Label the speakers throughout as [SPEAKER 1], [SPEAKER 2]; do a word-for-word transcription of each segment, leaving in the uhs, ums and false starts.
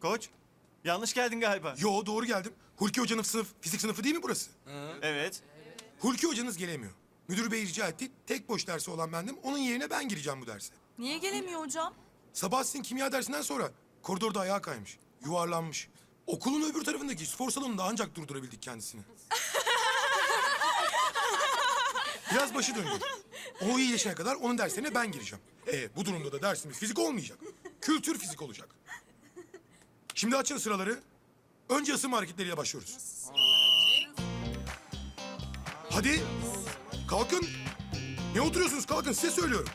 [SPEAKER 1] Koç, yanlış geldin galiba.
[SPEAKER 2] Yo doğru geldim. Hulki Hoca'nın sınıf, fizik sınıfı değil mi burası?
[SPEAKER 1] Evet.
[SPEAKER 2] Hulki Hocanız gelemiyor. Müdür bey rica etti. Tek boş dersi olan bendim. Onun yerine ben gireceğim bu derse.
[SPEAKER 3] Niye gelemiyor hocam?
[SPEAKER 2] Sabah sizin kimya dersinden sonra koridorda ayağa kaymış. Yuvarlanmış. Okulun öbür tarafındaki spor salonunda ancak durdurabildik kendisini. Biraz başı döndü. O iyileşene kadar onun derslerine ben gireceğim. E, bu durumda da dersimiz fizik olmayacak. Kültür fizik olacak. Şimdi açın sıraları. Önce ısınma hareketleriyle başlıyoruz. Hadi. Kalkın. Ne oturuyorsunuz? Kalkın, size söylüyorum.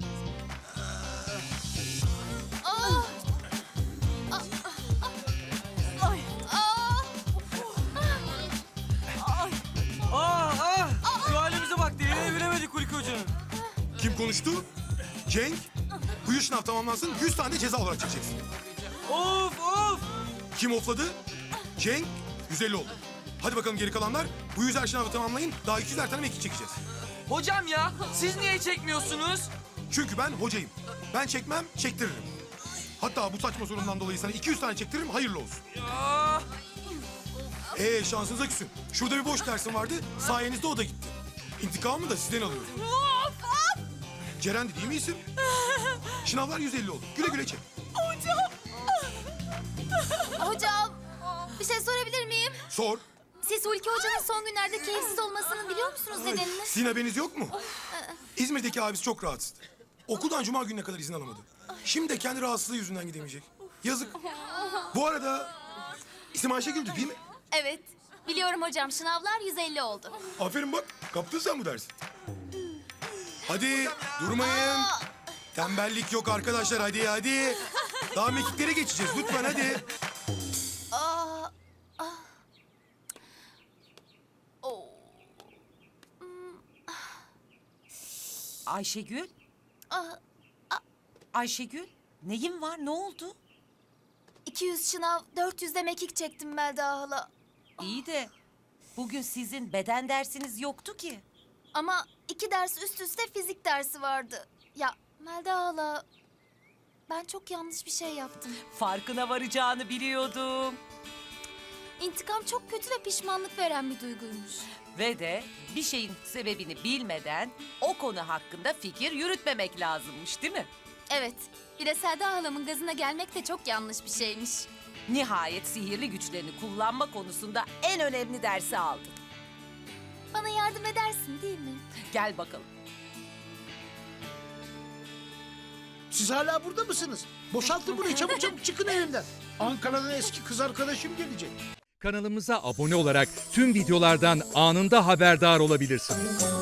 [SPEAKER 4] Aa, ah! Şu halimize bak, diline bilemedik Hulki Hoca'nın.
[SPEAKER 2] Kim konuştu? Cenk. Bu yıl sınav tamamlansın, yüz tane ceza olarak çekeceksin.
[SPEAKER 4] Of of!
[SPEAKER 2] Kim ofladı? Cenk. yüz elli oldu. Hadi bakalım geri kalanlar. Bu yüzer sınavı tamamlayın. Daha iki yüzer tane mekik çekeceğiz.
[SPEAKER 4] Hocam ya, siz niye çekmiyorsunuz?
[SPEAKER 2] Çünkü ben hocayım. Ben çekmem, çektiririm. Hatta bu saçma sorundan dolayı sana iki yüz tane çektiririm, hayırlı olsun.
[SPEAKER 4] Ya!
[SPEAKER 2] Ee şansınıza küsün. Şurada bir boş dersim vardı, sayenizde o da gitti. İntikamımı da sizden alıyorum. Ceren'di değil mi isim? Sınavlar yüz elli oldu. Güle güle çek.
[SPEAKER 5] Hocam, bir şey sorabilir miyim?
[SPEAKER 2] Sor.
[SPEAKER 5] Siz Hulki Hoca'nın son günlerde keyifsiz olmasının biliyor musunuz nedenini?
[SPEAKER 2] Sizin haberiniz yok mu? İzmir'deki abisi çok rahatsızdı. Okuldan cuma gününe kadar izin alamadı. Şimdi de kendi rahatsızlığı yüzünden gidemeyecek. Yazık. Bu arada isim Ayşegül'dü değil mi?
[SPEAKER 5] Evet, biliyorum hocam. Sınavlar yüz elli oldu.
[SPEAKER 2] Aferin bak, kaptın sen bu dersi. Hadi durmayın. Tembellik yok arkadaşlar, hadi hadi. Daha mekiklere geçeceğiz lütfen hadi.
[SPEAKER 5] Aa, ah. Oo.
[SPEAKER 6] Ayşegül?
[SPEAKER 5] Ah,
[SPEAKER 6] Ayşegül? Neyin var? Ne oldu?
[SPEAKER 5] iki yüz sınav, dört yüz de mekik çektim Melda hala.
[SPEAKER 6] İyi de bugün sizin beden dersiniz yoktu ki.
[SPEAKER 5] Ama iki ders üst üste fizik dersi vardı. Ya Melda hala, ben çok yanlış bir şey yaptım.
[SPEAKER 6] Farkına varacağını biliyordum.
[SPEAKER 5] İntikam çok kötü ve pişmanlık veren bir duyguymuş.
[SPEAKER 6] Ve de bir şeyin sebebini bilmeden o konu hakkında fikir yürütmemek lazımmış, değil mi?
[SPEAKER 5] Evet, bir de Selda halamın gazına gelmek de çok yanlış bir şeymiş.
[SPEAKER 6] Nihayet sihirli güçlerini kullanma konusunda en önemli dersi aldın.
[SPEAKER 5] Bana yardım edersin değil mi?
[SPEAKER 6] Gel bakalım.
[SPEAKER 7] Siz hala burada mısınız? Boşaltın burayı, çabuk çabuk çıkın evimden. Ankara'dan eski kız arkadaşım gelecek.
[SPEAKER 8] Kanalımıza abone olarak tüm videolardan anında haberdar olabilirsiniz.